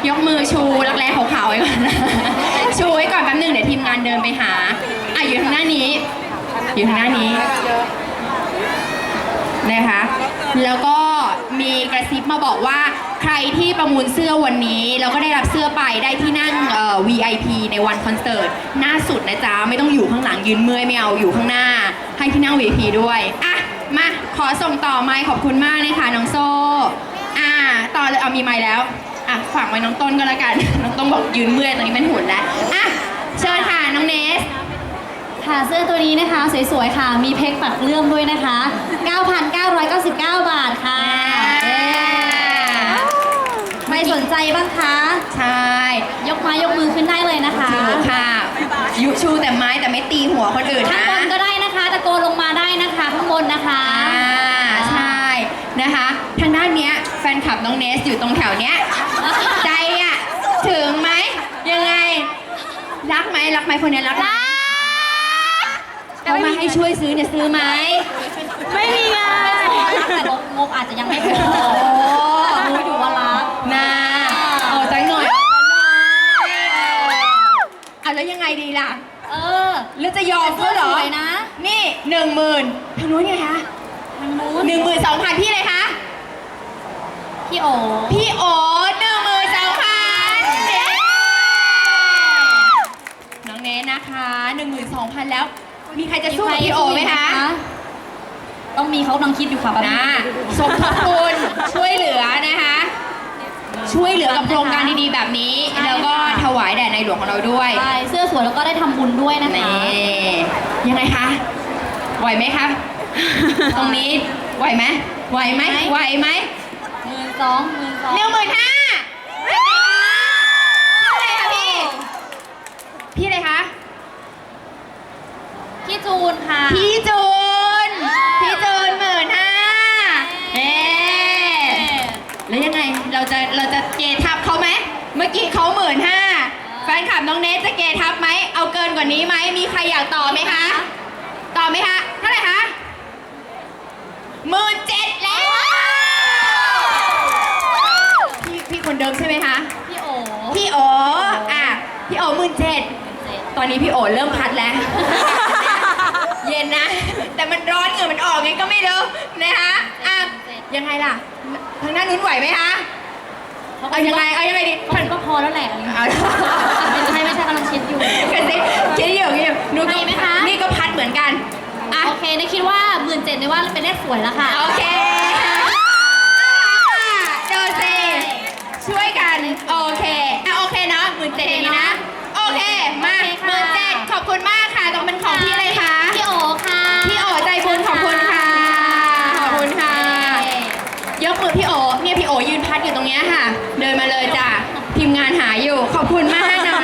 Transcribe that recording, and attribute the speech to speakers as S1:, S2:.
S1: ยกมือชูรักแร้ขาวๆไว้ก่อนชูไว้ก่อนแป๊บนึงเดี๋ยวทีมงานเดินไปหาอยู่ทางหน้านี้อยู่ทางหน้านี้นะคะแล้วก็มีกระซิบมาบอกว่าใครที่ประมูลเสื้อวันนี้แล้วก็ได้รับเสื้อไปได้ที่นั่งVIP ในวันคอนเสิร์ตหน้าสุดนะจ๊ะไม่ต้องอยู่ข้างหลังยืนเมื่อยไม่เอาอยู่ข้างหน้าให้ที่นั่ง VIP ด้วยมาขอส่งต่อไมค์ขอบคุณมากนะคะน้องโซ่ต่อเลยเอามีไมค์แล้วฝากไว้น้องต้นก็แล้วกันน้องต้นบอกยืนเมื่อยตอนนี้เป็นหุ่นแล้วเชิญค่ะน้องเนส
S2: ค่ะเสื้อตัวนี้นะคะสวยๆค่ะมีเพกปักเลื่อมด้วยนะคะ 9,999 บาทค่ะไม่สนใจบ้างคะ
S1: ใช่
S2: ยกไม้ยกมือขึ้นได้เลยนะคะ
S1: ถือค่ะยุชูแต่ไม้แต่ไม่ตีหัวคนอื่นนะ
S2: ข้างบนก็ได้นะคะตะโกนลงมาได้นะคะข้างบนนะคะ
S1: ใช่นะคะทางด้านเนี้ยแฟนคลับน้องเนสอยู่ตรงแถวเนี้ยใจถึงไหมยังไงรักไหมคนนี้รักเขามาให้ช่วยซื้อเนี่ยซื้อไหม
S2: ไม่มีไงแต่งบอาจจะยังไม่พอรู้อยู่ว่ารัก
S1: เอาใจหน่อยแล้วยังไงดีล่ะแล้วจะยอมเขาเหรอ
S2: นะ
S1: นี่ 10,000ทางนู้นไงคะ
S2: ทางนู้น
S1: 12,000พี่เลยคะ
S2: พี่โอ
S1: 12,000น้องเนสนะคะ 12,000แล้วมีใครจะสู้กับพี่โอไหมคะ
S2: ต้องมีเขากำลังคิดอยู่ค่ะ
S1: สมทบทุนช่วยเหลือนะคะช่วยเหลือกับโครงการดีๆแบบนี้แล้วก็ถวายแด่ในหลวงของเราด้วย
S2: ใช่เสื้อสวยแล้วก็ได้ทำบุญด้วยนะคะ
S1: ยังไงคะไหวไหมคะตรงนี้ไหวไหมไหวไหม
S2: 12,000
S1: พี่อะไรคะ
S2: พี่จูนค่ะ
S1: พี่จูน15,000แล้วยังไงเราจะเกทับเขาไหมเมื่อกี้เขา15,000แฟนคลับน้องเนสจะเกทับไหมเอาเกินกว่านี้ไหมมีใครอยากต่อไหมคะเท่าไหร่คะ17,000แล้วพี่คนเดิมใช่ไหมคะ
S2: พี่โอ
S1: พี่โอ17,000ตอนนี้พี่โอเริ่มพัดแล้วเย็นนะแต่มันร้อนเหงื่อมันออกไงก็ไม่รู้นะคะยังไงล่ะทางด้านนู้นไหวไหมคะเอายังไงดี
S2: มันก็พอแล้วแหละไม่ใช่กำลังคิดอยู่
S1: คิดอยู่
S2: ดูดีไหมคะ
S1: นี่ก็พัดเหมือนกัน
S2: โอเคนะคิดว่า17,000ได้ว่าเป็นเลขสวยแล้วค่ะ
S1: โอเคดูสิช่วยกันโอเคเนาะ17,000อย่างนี้นะโอเคมา17,000ขอบคุณมากค่ะต้องเป็นของพี่อะไรคะ
S2: พี่โอค่ะ
S1: พี่โอใจบุญขอบคุณค่ะยกมือพี่โอเนี่ยพี่โอยืนพัดอยู่ตรงนี้ค่ะเดินมาเลยจ้ะทีมงานหาอยู่ขอบคุณมากนะ